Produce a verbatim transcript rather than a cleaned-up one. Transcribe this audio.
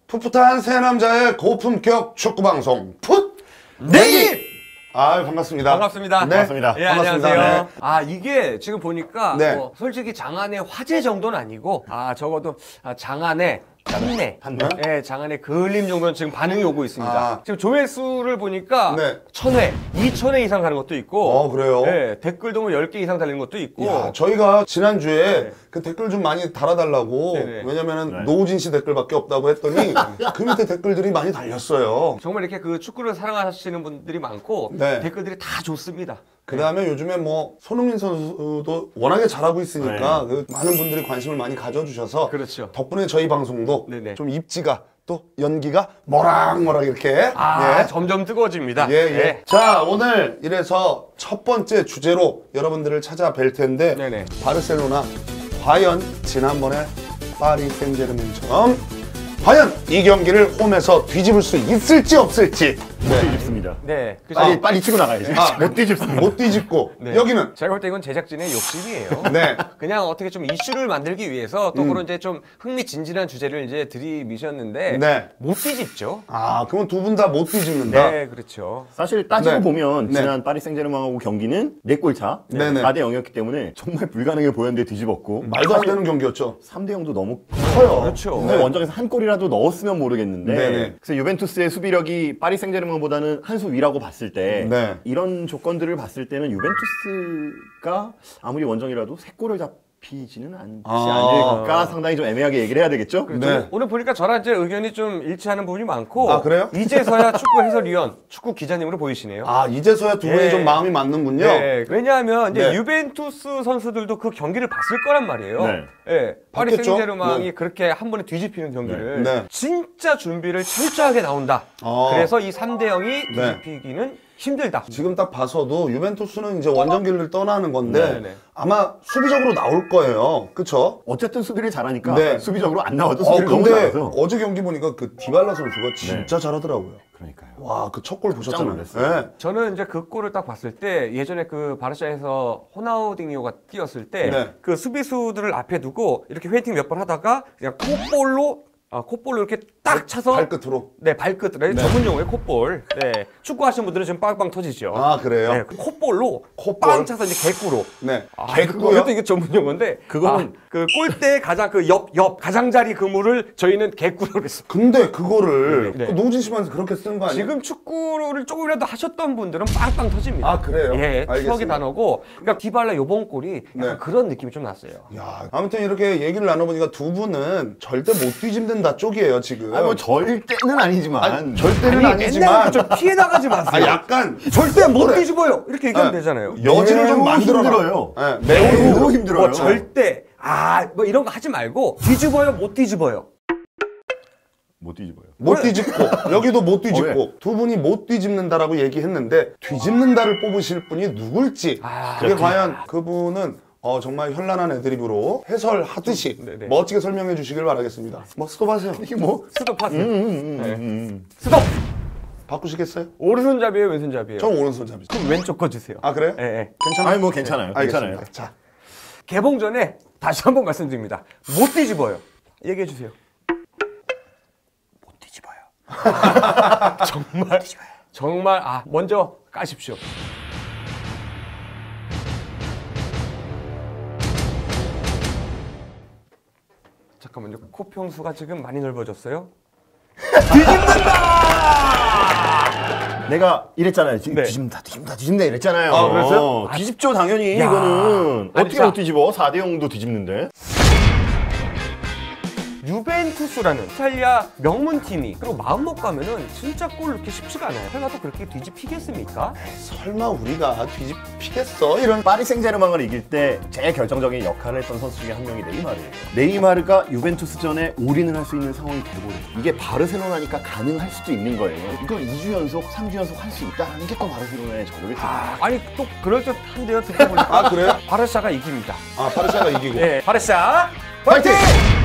풋풋한 새 남자의 고품격 축구 방송 풋 내기. 아 반갑습니다. 반갑습니다. 네. 반갑습니다. 예, 반갑습니다. 안녕하세요. 네. 아 이게 지금 보니까 네. 뭐 솔직히 장안의 화제 정도는 아니고 아 적어도 아, 장안의 판매, 판매? 예, 장안의 그을림 정도는 지금 반응이 오고 있습니다. 아. 지금 조회수를 보니까 네. 천 회, 이천 회 이상 가는 것도 있고, 어 그래요? 예, 댓글도 뭐 열 개 이상 달리는 것도 있고. 야, 저희가 지난주에 네. 그 댓글 좀 많이 달아달라고 네네. 왜냐면은 네. 노우진 씨 댓글밖에 없다고 했더니 그 밑에 댓글들이 많이 달렸어요. 정말 이렇게 그 축구를 사랑하시는 분들이 많고 네. 댓글들이 다 좋습니다. 그 다음에 요즘에 뭐 손흥민 선수도 워낙에 잘하고 있으니까 네. 그 많은 분들이 관심을 많이 가져주셔서 그렇죠. 덕분에 저희 방송도 네네. 좀 입지가 또 연기가 모락모락 이렇게 아, 예. 점점 뜨거워집니다. 예, 예. 네. 자, 오늘 이래서 첫 번째 주제로 여러분들을 찾아뵐 텐데 네네. 바르셀로나 과연 지난번에 파리 생제르맹처럼 과연 이 경기를 홈에서 뒤집을 수 있을지 없을지 못 뒤집습니다. 네. 그래서 빨리 빨리 치고 나가야지. 아, 못 뒤집습니다. 못 뒤집고 네. 여기는 제가 볼 때 이건 제작진의 욕심이에요. 네. 그냥 어떻게 좀 이슈를 만들기 위해서 또 음. 그런 이제 좀 흥미진진한 주제를 이제 들이미셨는데 네. 못 뒤집죠. 아, 그러면 두 분 다 못 뒤집는다. 네, 그렇죠. 사실 따지고 네. 보면 네. 지난 파리 생제르맹하고 경기는 네 골 차, 네네. 사 대 영이었기 때문에 정말 불가능해 보였는데 뒤집었고 말도 안 되는 경기였죠. 삼 대 영도 너무 커요. 그렇죠. 정말 원정에서 한 골이라도 넣었으면 모르겠는데 네네. 그래서 유벤투스의 수비력이 파리 생제르맹보다는 한 수 위라고 봤을 때 네. 이런 조건들을 봤을 때는 유벤투스가 아무리 원정이라도 세 골을 잡히지는 않지 아. 않을까 상당히 좀 애매하게 얘기를 해야 되겠죠? 그렇죠. 네. 오늘 보니까 저랑 이제 의견이 좀 일치하는 부분이 많고 아, 그래요? 이제서야 축구 해설위원, 축구 기자님으로 보이시네요. 아, 이제서야 두 분이 네. 좀 마음이 맞는군요. 네, 왜냐하면 이제 네. 유벤투스 선수들도 그 경기를 봤을 거란 말이에요. 네. 예, 파리 봤겠죠? 생제르맹이 네. 그렇게 한 번에 뒤집히는 경기를 네. 네. 진짜 준비를 철저하게 나온다. 어. 그래서 이 삼 대 영이 네. 뒤집히기는 힘들다. 지금 딱 봐서도 유벤투스는 이제 원정길을 떠나는 건데 네네. 아마 수비적으로 나올 거예요. 그쵸? 어쨌든 수비를 잘하니까 네. 수비적으로 안 나와도 어, 수비를 너무 근데 잘해서 어제 경기 보니까 그 디발라 선수가 진짜 잘하더라고요. 그러니까요. 와, 그 첫 골 보셨잖아요. 놀랐어요. 네. 저는 이제 그 골을 딱 봤을 때 예전에 그 바르샤에서 호나우딩요가 뛰었을 때 네. 그 수비수들을 앞에 두고 이렇게 회팅 몇 번 하다가 그냥 콧볼로 아, 콧볼로 이렇게 딱 차서 발끝으로. 네 발끝으로 네. 전문 용어의 콧볼. 네 축구 하시는 분들은 지금 빵빵 터지죠. 아, 그래요? 네, 그 콧볼로 콧볼? 빵 차서 이제 개꾸로. 네. 아, 개꾸요? 그것도 이게 전문 용어인데 그거는- 아, 그 골대 가장 그 옆 옆 가장자리 그물을 저희는 개꾸로 했습니다. 근데 그거를 네. 그 노진 씨만 그렇게 쓰는 거 아니에요? 지금 축구를 조금이라도 하셨던 분들은 빵빵 터집니다. 아, 그래요? 예, 추억의 알겠습니다. 단어고. 그러니까 디발라 요번 골이 약간 네. 그런 느낌이 좀 났어요. 야, 아무튼 이렇게 얘기를 나눠보니까 두 분은 절대 못 뒤집는다 쪽이에요, 지금. 아니 뭐 절대는 아니지만 아니, 절대는 아니, 아니지만. 맨날 좀 피해 나가지 마세요. 아, 약간. 절대 못 그래. 뒤집어요. 이렇게 얘기하면 네. 되잖아요. 여지를 좀 매우 만들어라. 힘들어요. 네, 매우 매우 힘들어. 힘들어요. 뭐 절대 아 뭐 이런 거 하지 말고 뒤집어요 못 뒤집어요. 못 뒤집어요. 못 뒤집고 여기도 못 뒤집고 어, 예. 두 분이 못 뒤집는다라고 얘기했는데 뒤집는다를 뽑으실 분이 누굴지 아, 그게 그렇지. 과연 그분은 어, 정말 현란한 애드립으로 해설하듯이 네네. 멋지게 설명해 주시길 바라겠습니다. 뭐 스톱하세요. 이게 뭐 스톱하세요. 음, 음, 네. 음, 음. 스톱. 바꾸시겠어요? 오른손잡이에요 왼손잡이에요? 전 오른손잡이죠. 그럼 왼쪽 거 주세요. 아 그래요? 예, 예. 괜찮아요? 아니 뭐 괜찮아요. 알겠습니다. 괜찮아요. 자, 개봉 전에 다시 한번 말씀드립니다. 못 뒤집어요. 얘기해 주세요. 못 뒤집어요. 정말 정말 아 먼저 까십시오. 잠깐만요. 코평수가 지금 많이 넓어졌어요. 내가 이랬잖아요. 지금 네. 뒤집는다, 뒤집는다, 뒤집는다 이랬잖아요. 아, 그랬어요? 어, 뒤집죠 당연히 야. 이거는 아니, 어떻게 자. 못 뒤집어? 사 대 영도 뒤집는데. 유벤투스라는 이탈리아 명문팀이 그리고 마음먹고 하면은 진짜 골 넣기 쉽지가 않아요. 설마 또 그렇게 뒤집히겠습니까? 설마 우리가 뒤집히겠어? 이런 파리 생제르맹을 이길 때 제일 결정적인 역할을 했던 선수 중에 한 명이 네이마르예요. 네이마르가 유벤투스전에 올인을 할 수 있는 상황이 돼버려요. 이게 바르셀로나니까 가능할 수도 있는 거예요. 이걸 이 주 연속, 삼 주 연속 할 수 있다는 게 또 바르셀로나의 저력이죠. 아니 또 그럴듯한데요. 듣고 보니까 아 그래요? 바르샤가 이깁니다. 아 파르샤가 이기고 네, 바르샤 파이팅!